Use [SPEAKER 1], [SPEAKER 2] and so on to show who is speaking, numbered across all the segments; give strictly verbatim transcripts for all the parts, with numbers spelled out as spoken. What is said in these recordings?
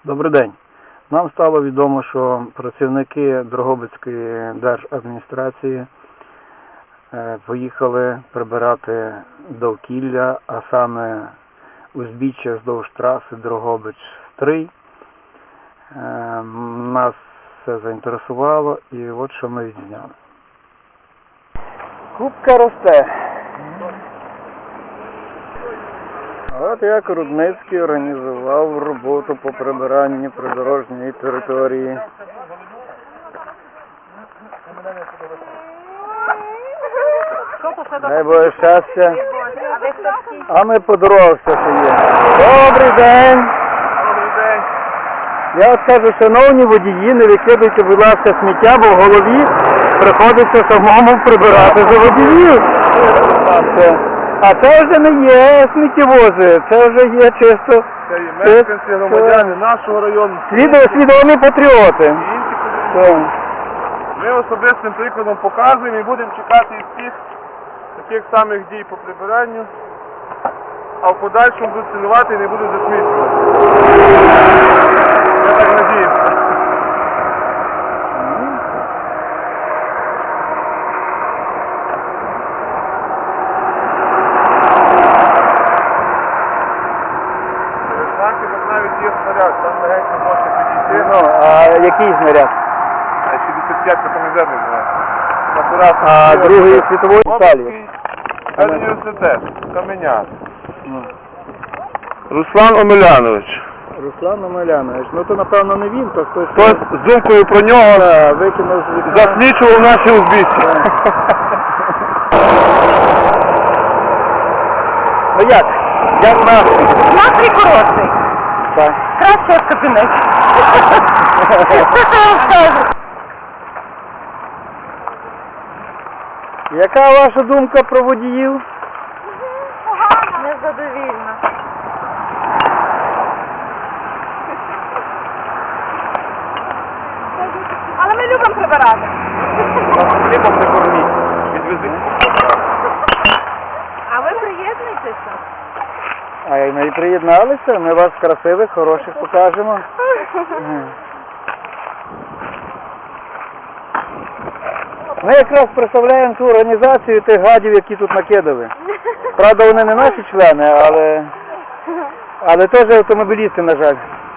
[SPEAKER 1] Добрий день. Нам стало відомо, що працівники Дрогобицької держадміністрації поїхали прибирати довкілля, а саме узбіччя вздовж траси Дрогобич-Стрий. Нас це заінтересувало і от що ми відзняли. Кубка росте. От як Рудницький організував роботу по прибиранню придорожньої території. Дай Боже щастя. А ми по дорогах все ще є. Добрий день.
[SPEAKER 2] Добрий день.
[SPEAKER 1] Я от кажу, шановні водії, не викидуйте, будь ласка, сміття, бо в голові приходиться самому прибирати за водіїв. А це вже не є сміттєвози, це вже є чисто...
[SPEAKER 2] Це є мешканці, громадяни нашого району.
[SPEAKER 1] Свідомі патріоти.
[SPEAKER 2] І інші патріоти. Ми особистим прикладом показуємо і будемо чекати і всіх таких самих дій по прибиранню, а в подальшому будуть цінувати і не будуть засмічувати. Я так надіюся. Навіть є снаряд, там легенько можна підійти.
[SPEAKER 1] Ну, а який снаряд?
[SPEAKER 2] А шістдесят п'ять комізерний снаряд.
[SPEAKER 1] А Другої світової сталі?
[SPEAKER 2] Університет, Каменяк. Руслан Омелянович.
[SPEAKER 1] Руслан Омелянович. Ну то напевно не він, то хтось...
[SPEAKER 2] Хтось з думкою про нього
[SPEAKER 1] Да, викинув з вікна.
[SPEAKER 2] заслічував наші узбіччя.
[SPEAKER 1] Ну як? Як настрій?
[SPEAKER 3] Настрій хороший.
[SPEAKER 1] Так.
[SPEAKER 3] Краще в кабінеті.
[SPEAKER 1] Яка ваша думка про водіїв?
[SPEAKER 3] Незадовільно. Але ми любимо прибирати.
[SPEAKER 2] Хлібом не корміть. Відвези.
[SPEAKER 3] А ви приєднуйтеся?
[SPEAKER 1] А й ми приєдналися, ми вас красивих, хороших покажемо. Ми якраз представляємо ту організацію тих гадів, які тут накидали. Правда, вони не наші члени, але, але теж автомобілісти, на жаль.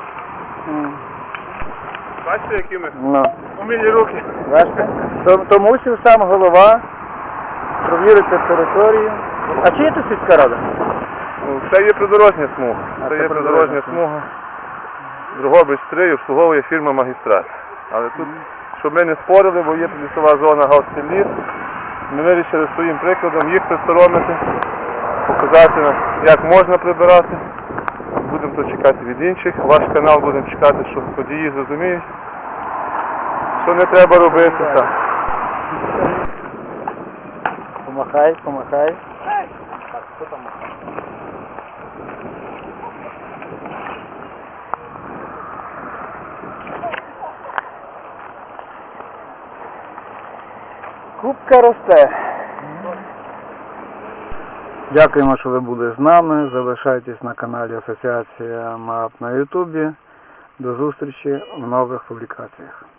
[SPEAKER 2] Бачите, які ми
[SPEAKER 1] Ну.
[SPEAKER 2] умілі руки.
[SPEAKER 1] Бачите? Тому, тому мусив сам голова провірити територію. А чи є тут сільська рада?
[SPEAKER 2] Це є придорожня смуга.
[SPEAKER 1] А,
[SPEAKER 2] Це
[SPEAKER 1] це
[SPEAKER 2] є
[SPEAKER 1] придорожня
[SPEAKER 2] придорожня смуга. Дрогобич-Стрий обслуговує фірма «Магістрат». Але тут, щоб ми не спорили, бо є лісова зона Галстин-ліс, ми вирішили своїм прикладом їх присоромити, показати, як можна прибирати. Будемо то чекати від інших. Ваш канал будемо чекати, щоб водії зрозуміють, що не треба робити. Так.
[SPEAKER 1] Помахай, помахай. Так, хто там махає? Кубка росте. Дякуємо, що ви були з нами. Залишайтесь на каналі Асоціація МАП на Ютубі. До зустрічі в нових публікаціях.